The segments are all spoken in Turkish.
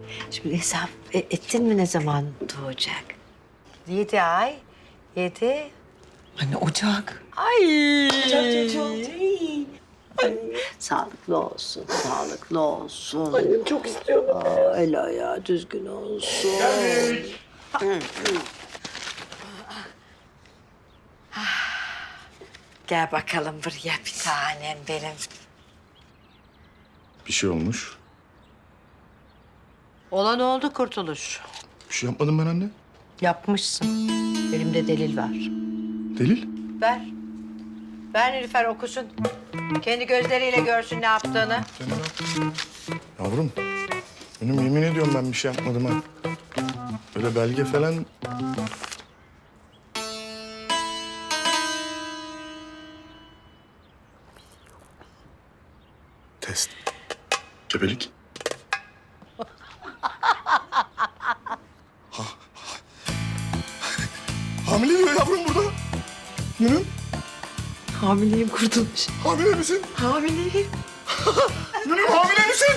Şimdi hesap ettin mi ne zaman doğacak? 7 ay. 7. Anne Ocak. Ay. Ocak çocuğu. Sağlıklı olsun, sağlıklı olsun. Annem çok istiyorum. El ayağı düzgün olsun. Gel bakalım buraya bir tanem benim. Bir şey olmuş. Olan oldu Kurtuluş. Bir şey yapmadım ben anne. Yapmışsın. Elimde delil var. Delil? Ver. Ver Nilüfer okusun. Kendi gözleriyle görsün ne yaptığını. Yavrum, benim yemin ediyorum ben bir şey yapmadım ha. Öyle belge falan... Test. Gebelik. Hamile diyor yavrum burada. Nünüm, Hamileyim Kurtuluş. hamile misin? Hamileyim. Nünüm hamile misin?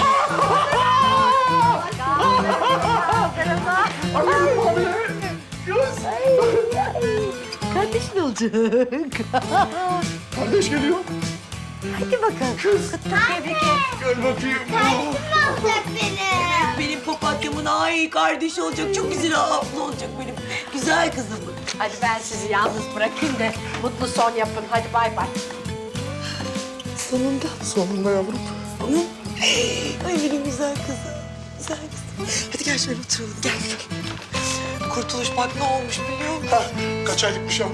Annem hamile. Kız. Kardeşin olacak. Kardeş geliyor. Hadi bakalım. Kız. Tebrik et. Gel bakayım. Alacak beni. Benim papatyamın ay kardeşi olacak. Çok güzel abla olacak benim. Güzel kızım. Hadi ben sizi yalnız bırakayım da mutlu son yapın. Hadi bay bay. Sonunda. Sonunda yavrum. Ay benim güzel kızım. Güzel kızım. Hadi gel şöyle oturalım. Gel. Kurtuluş bak ne olmuş biliyor musun? Kaç aylıkmış yavrum?